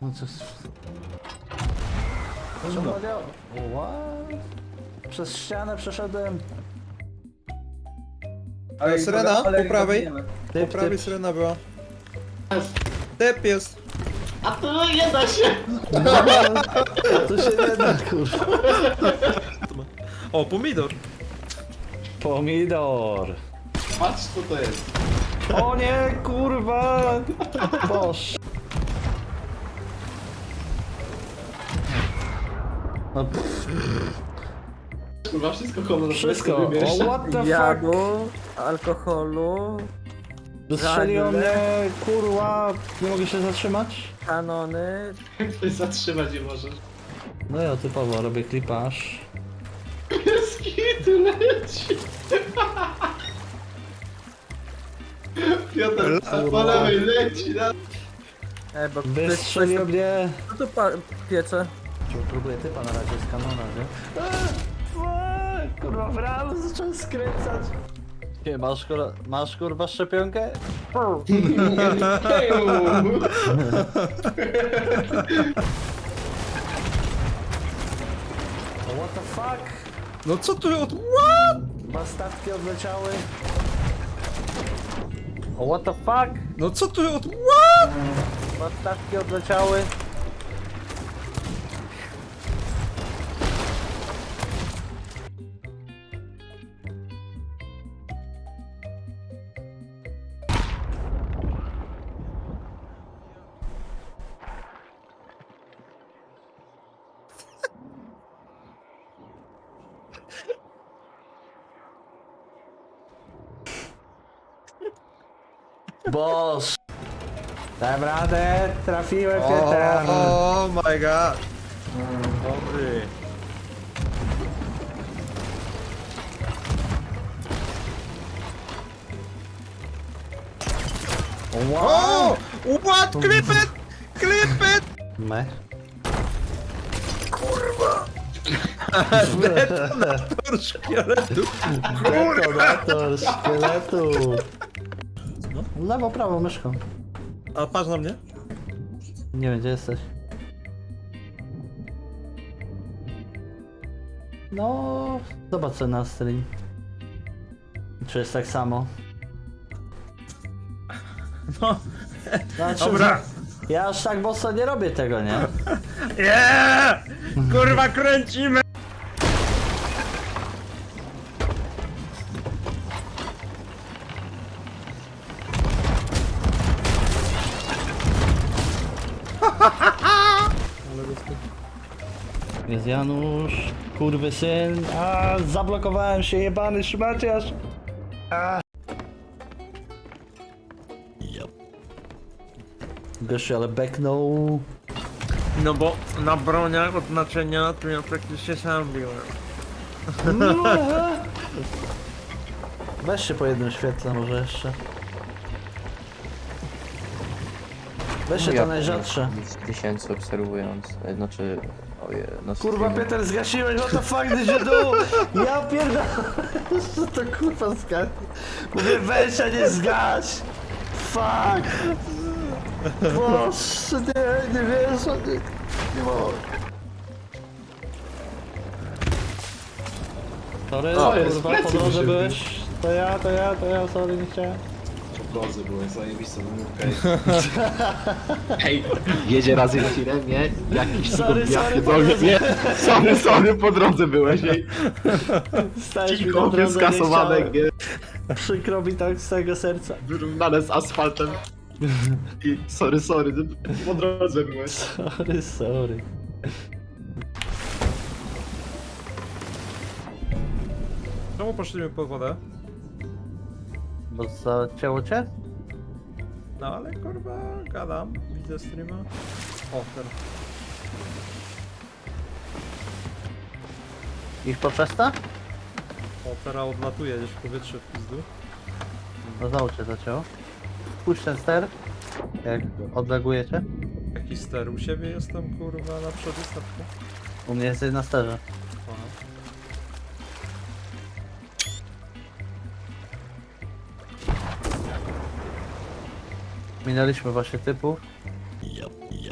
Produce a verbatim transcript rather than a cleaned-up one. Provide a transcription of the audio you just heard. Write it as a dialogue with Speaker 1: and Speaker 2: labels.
Speaker 1: No co jest... Czemu nie... What? Przez ścianę przeszedłem.
Speaker 2: Ale syrena, po prawej.
Speaker 1: Typ,
Speaker 2: Po prawej
Speaker 1: typ.
Speaker 2: syrena była. Typ jest.
Speaker 3: A to nie da się!
Speaker 1: A tu się nie da, kurwa.
Speaker 2: O, pomidor.
Speaker 1: Pomidor.
Speaker 3: Patrz co to jest.
Speaker 1: O nie, kurwa. Boż. No, pff,
Speaker 3: Kurwa, wszystko honorowe
Speaker 1: wszystko.
Speaker 3: sobie bierzesz.
Speaker 1: O, what the fuck?
Speaker 4: Jadu, alkoholu,
Speaker 1: Dostrzeliło mnie, kurwa. Nie mogę się zatrzymać.
Speaker 4: kanony.
Speaker 3: Ktoś zatrzymać nie możesz.
Speaker 1: No ja typowo robię klipaż.
Speaker 3: Skitu leci! Piotr, a po lewej leci na...
Speaker 4: E, bo ktoś, ktoś,
Speaker 1: Wystrzelił mnie.
Speaker 4: co tu pa- piecze?
Speaker 1: Próbuję typa na razie z kanona, nie? Eee, kurwa, w realu zacząłem skręcać. Nie, masz kurwa, masz kurwa szczepionkę? Oh, what the fuck?
Speaker 2: No co tu od... What?
Speaker 1: Dwa statki odleciały. Oh, what the fuck?
Speaker 2: No co tu od... What?
Speaker 1: Dwa statki odleciały. Boż! Dam radę, trafiłem Pieter!
Speaker 2: Oh my god. Dobry.
Speaker 1: Wow!
Speaker 2: O! What? Clip it! Clip it!
Speaker 1: Me?
Speaker 2: Detonator szkieletu.
Speaker 1: Detonator szkieletu! No, lewo, prawo myszką.
Speaker 2: A patrz na mnie.
Speaker 1: Nie wiem, gdzie jesteś. No, zobacz sobie na stream. Czy jest tak samo?
Speaker 2: No.
Speaker 1: Znaczy,
Speaker 2: Dobra.
Speaker 1: ja aż tak mocno nie robię tego, nie?
Speaker 2: Yeah! Kurwa kręcimy!
Speaker 1: Jest Janusz, kurwy syn. A, zablokowałem się, jebany szmaciarz. A. Gościu, ale beknął.
Speaker 2: No bo na broniach od naczynia to ja praktycznie sam biłem.
Speaker 1: Weź się po jednym świetle może jeszcze. Weź się to najrzadsze.
Speaker 5: Tysięcy obserwując, e, znaczy, oje, no
Speaker 1: Kurwa
Speaker 5: streamie.
Speaker 1: Peter, zgasiłeś, what the fuck did you do? Ja pierdolę. Co to kurwa zgaś? Mówię weź, a nie zgaś. Fuck. Boże, nie, nie wiesz, nie, nie mogę. Sorry,
Speaker 3: O, jest,
Speaker 1: kurwa,
Speaker 3: plecy
Speaker 1: po drodze
Speaker 3: wyszedł.
Speaker 1: byłeś. To ja, to ja, to ja, sorry, nie chciałem.
Speaker 3: Po drodze byłeś zajebistą wymówkę. Hej, jedzie raz na tirem, nie? Jakiś
Speaker 1: Sorry,
Speaker 3: ja
Speaker 1: sorry,
Speaker 3: pierdolę,
Speaker 1: po drodze.
Speaker 3: nie? Sorry, sorry, po drodze byłeś, ej.
Speaker 1: Stałeś mi na
Speaker 3: Cicho,
Speaker 1: drodze, nie
Speaker 3: skasowane,
Speaker 1: chciałem.
Speaker 3: nie?
Speaker 1: Przykro mi tak z całego serca.
Speaker 3: Wyrównane z asfaltem. I sorry, sorry, po drodze byłeś.
Speaker 1: Sorry, sorry.
Speaker 2: Czemu poszliśmy pod wodę?
Speaker 1: Bo zacięło cię?
Speaker 2: No ale kurwa, gadam, widzę streama. O, ten.
Speaker 1: Ich poczesta?
Speaker 2: O, teraz odlatuje gdzieś w powietrze w pizdu.
Speaker 1: No znowu cię zacięło. Puść ten ster. Jak odlegujecie.
Speaker 2: Jaki ster? U siebie jestem kurwa na przodu statku.
Speaker 1: U mnie jesteś na sterze.
Speaker 2: Aha.
Speaker 1: Minęliśmy właśnie typów.